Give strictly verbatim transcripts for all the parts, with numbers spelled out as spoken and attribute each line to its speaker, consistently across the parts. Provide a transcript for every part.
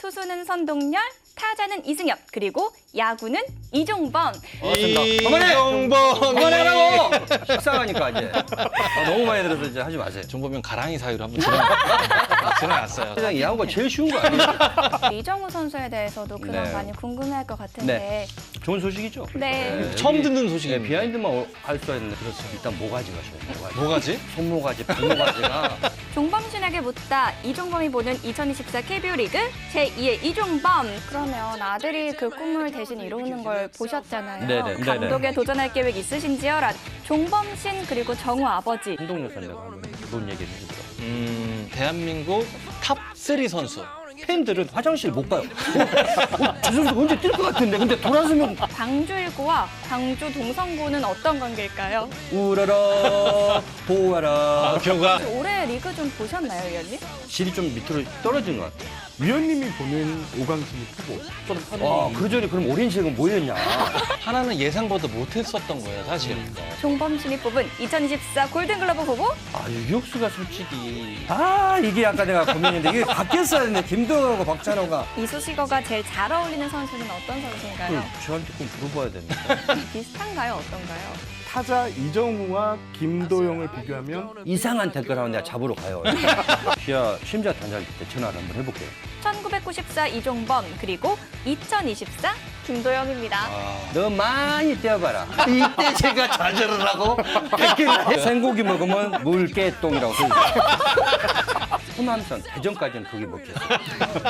Speaker 1: 투수는 선동열, 타자는 이승엽, 그리고 야구는 이종범.
Speaker 2: 맞습니다.
Speaker 3: 이종범
Speaker 2: 그만하라고! 식상하니까 이제. 아, 너무 많이 들어서 이제 하지 마세요.
Speaker 3: 종범이 가랑이 사이로 한번 지나, 지나갔어요.
Speaker 2: 세상에 야구가 제일 쉬운 거 아니에요?
Speaker 1: 이정우 선수에 대해서도 그만
Speaker 2: 네.
Speaker 1: 많이 궁금해할 것 같은데.
Speaker 2: 좋은 소식이죠?
Speaker 1: 네.
Speaker 3: 처음 듣는
Speaker 2: 네,
Speaker 3: 소식입니다.
Speaker 2: 비하인드만 할 수가 있는데 그렇죠. 일단 모가지가 좋아요. 모가지.
Speaker 3: 뭐가지?
Speaker 2: 손모가지, 발모가지가.
Speaker 1: 종범신에게 묻다 이종범이 보는 이천이십사 케이비오 리그 제이의 이종범. 그러면 아들이 그 꿈을 대신 이루는 걸 보셨잖아요.
Speaker 2: 네네, 네네.
Speaker 1: 감독에 도전할 계획 있으신지요? 란 종범신 그리고 정우 아버지.
Speaker 2: 한동료 선배가 그런 얘기를 해주죠.
Speaker 3: 음, 대한민국 탑 쓰리 선수.
Speaker 2: 팬들은 화장실 못 가요. 어, 어, 저 선수 언제 뛸 것 같은데. 근데 돌아서면
Speaker 1: 광주일구와 광주 동성구는 어떤 관계일까요?
Speaker 2: 우라라 보아라.
Speaker 3: 교가
Speaker 1: 올해 리그 좀 보셨나요, 위원님?
Speaker 2: 질이 좀 밑으로 떨어진 것 같아요.
Speaker 4: 위원님이 보는 오강진이 크고
Speaker 2: 와, 그 전에 그럼 오렌지색은 뭐였냐?
Speaker 3: 하나는 예상보다 못했었던 거예요, 사실.
Speaker 1: 종범신이 뽑은 이천이십사 골든글러브 후보
Speaker 2: 아, 유격수가 솔직히. 아, 이게 아까 내가 고민인데 이게 바뀌었어야 했는데 김동현과 박찬호가.
Speaker 1: 이수식어가 제일 잘 어울리는 선수는 어떤 선수인가요?
Speaker 2: 저한테 꼭 물어봐야 되는데.
Speaker 1: 비슷한가요? 어떤가요?
Speaker 4: 타자 이정우와 김도영을 비교하면
Speaker 2: 이상한 댓글 하면 내가 잡으러 가요. 기아 심자 단장일 때 전화를 한번 해볼게요.
Speaker 1: 천구백구십사 이종범 그리고 이천이십사 김도영입니다.
Speaker 2: 너 많이 뛰어봐라. 이때 제가 좌절을 하고 댓글 생고기 먹으면 물개똥이라고 써있어요. 호남선 대전까지는 그게 먹혔어요.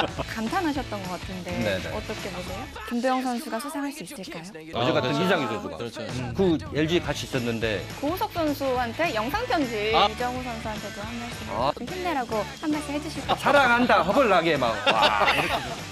Speaker 1: 감탄하셨던 것 같은데
Speaker 2: 네네.
Speaker 1: 어떻게 보세요? 김도영 선수가 수상할 수 있을까요?
Speaker 2: 어제 같은
Speaker 3: 그렇죠.
Speaker 2: 이상희 선수가.
Speaker 3: 그렇죠.
Speaker 2: 그 엘지 같이 있었는데
Speaker 1: 고우석 선수한테 영상 편지
Speaker 3: 아.
Speaker 1: 이정우 선수한테도 한 말씀
Speaker 2: 아.
Speaker 1: 좀 힘내라고 한 말씀 해주실 것 같아요.
Speaker 2: 사랑한다 허벌나게 막 와, 이렇게